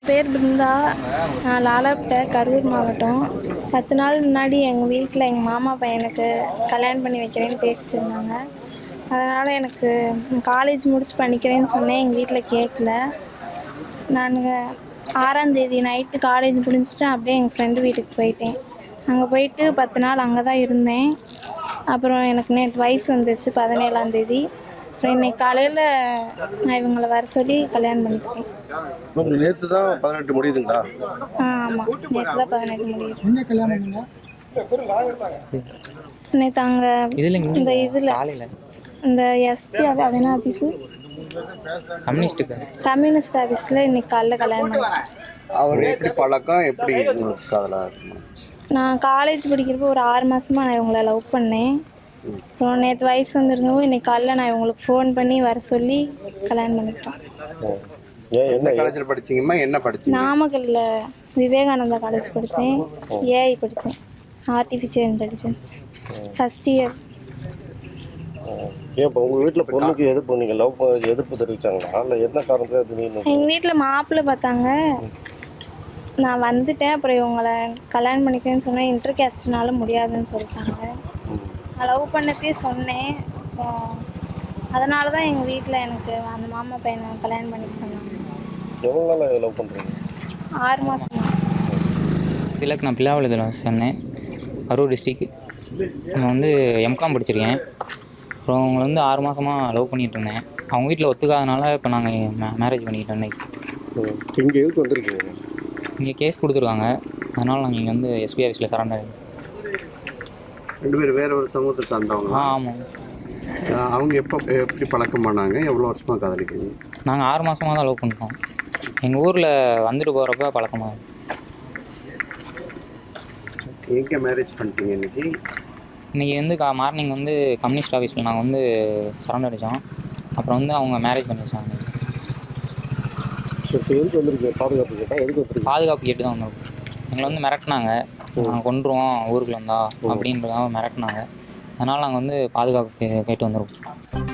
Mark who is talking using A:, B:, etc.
A: பேர் பிருந்தா. நான் லாலாப்பேட்டை, கரூர் மாவட்டம். 10 நாள் முன்னாடி எங்கள் வீட்டில் எங்கள் மாமா பையனுக்கு கல்யாணம் பண்ணி வைக்கிறேன்னு பேசிட்டு இருந்தாங்க. அதனால் எனக்கு காலேஜ் முடிச்சு பண்ணிக்கிறேன்னு சொன்னேன். எங்கள் வீட்டில் கேட்கல. நாங்கள் 6ஆம் தேதி நைட்டு காலேஜ் முடிஞ்சுட்டு அப்படியே எங்கள் ஃப்ரெண்டு வீட்டுக்கு போயிட்டேன். அங்கே போயிட்டு 10 நாள் அங்கே தான் இருந்தேன். அப்புறம் எனக்கு நேற்று வயசு வந்துடுச்சு 17ஆம் தேதி. அப்புறம் இன்னைக்கு காலையில் நான் இவங்களை வர சொல்லி கல்யாணம் பண்ணிக்கிட்டேன்.
B: நேற்று தான் 18 முடியுதுங்களா?
A: ஆமாம், நேற்று தான் 18 முடியுது.
C: என்ன கல்யாணம் பண்ணா?
A: நேற்று அங்கே இந்த இதில் இந்த எஸ்பி அது என்ன ஆஃபீஸு, கம்யூனிஸ்ட் ஆஃபீஸில் இன்னைக்கு காலைல கல்யாணம் பண்ணிட்டேன்.
B: அவர் எப்படி பழக்கம், எப்படி காதலா?
A: நான் காலேஜ் படிக்கிறப்போ ஒரு 6 மாதமாக நான் இவங்களை லவ் பண்ணேன். அப்புறம் நேற்று வயசு வந்துருங்கவும் இன்னைக்கு காலைல நான் இவங்களுக்கு ஃபோன் பண்ணி வர சொல்லி கல்யாணம் பண்ணிட்டேன்.
B: என்ன காலேஜில் படிச்சீங்கம்மா? என்ன படிச்சீங்க?
A: நாமக்கல்லில் விவேகானந்தா காலேஜ் படித்தேன். ஏஐ படித்தேன், ஆர்டிஃபிஷியல் இன்டெலிஜென்ஸ், ஃபஸ்ட் இயர்.
D: ஏன் இப்போ உங்கள் வீட்டில் பொண்ணுக்கு எதிர்ப்பு, நீங்கள் லவ் எதிர்ப்பு தெரிவித்தாங்களா? இல்லை என்ன காரணத்தை திடீர்னு?
A: எங்கள் வீட்டில் மாப்பிள்ளை பார்த்தாங்க, நான் வந்துட்டேன். அப்புறம் இவங்களை கல்யாணம் பண்ணிக்கிறேன்னு சொன்னேன். இன்டர் கேஸ்ட்னால முடியாதுன்னு சொல்லிட்டாங்க. நான் லவ் பண்ணப்பே சொன்னேன். அப்புறம் அதனால தான் எங்கள் வீட்டில் எனக்கு அந்த மாமா பையனை கல்யாணம் பண்ணிக்க சொன்னாங்க.
D: எவ்வளோ நாள் லவ் பண்ணுறீங்க?
A: 6 மாதம்.
E: திலக், நான் பிள்ளாவளத்தில் சொன்னேன், கரூர் டிஸ்ட்ரிக். நான் வந்து எம்காம் படிச்சிருக்கேன். அப்புறம் அவங்களை வந்து 6 மாதமாக லவ் பண்ணிகிட்டு இருந்தேன். அவங்க வீட்டில் ஒத்துக்காதனால இப்போ நாங்கள் மேரேஜ் பண்ணிக்கிட்டோம்.
D: இங்கே எதுக்கு வந்திருக்கீங்க?
E: இங்கே கேஸ் கொடுத்துருக்காங்க, அதனால் நாங்கள் இங்கே வந்து எஸ்பி ஆஃபீஸில் சரண்டர்.
B: 2 பேர் வேற ஒரு சமூகத்தை சார்ந்தவங்க?
E: ஆமாம்.
B: அவங்க எப்படி பழக்கம் பண்ணாங்க? எவ்வளோ வருஷமாக காதலிக்கிறீங்க?
E: நாங்கள் 6 மாதமாக தான் லவ் பண்ணிட்டோம். எங்கள் ஊரில் வந்துட்டு போகிறப்ப பழக்கமாக.
B: எங்கே மேரேஜ் பண்ணிட்டீங்க இன்னைக்கு?
E: இன்றைக்கி வந்து மார்னிங் வந்து கம்யூனிஸ்ட் ஆஃபீஸில் நாங்கள் வந்து சரண்டர் அடித்தோம். அப்புறம் வந்து அவங்க மேரேஜ் பண்ணி வச்சாங்க.
D: இப்போ எதுக்கு வந்திருக்கீங்க? பாதுகாப்பு கேட்டால் எதுக்கு வந்திருக்கீங்க?
E: பாதுகாப்பு கேட்டு தான் வந்திருக்கோம். எங்களை வந்து மிரட்டினாங்க, நாங்கள் கொண்டுருவோம் ஊருக்குள்ள இருந்தா அப்படின்றதாக மிரட்டினாங்க. அதனால் நாங்கள் வந்து பாதுகாப்பு கேட்டு வந்திருக்கோம்.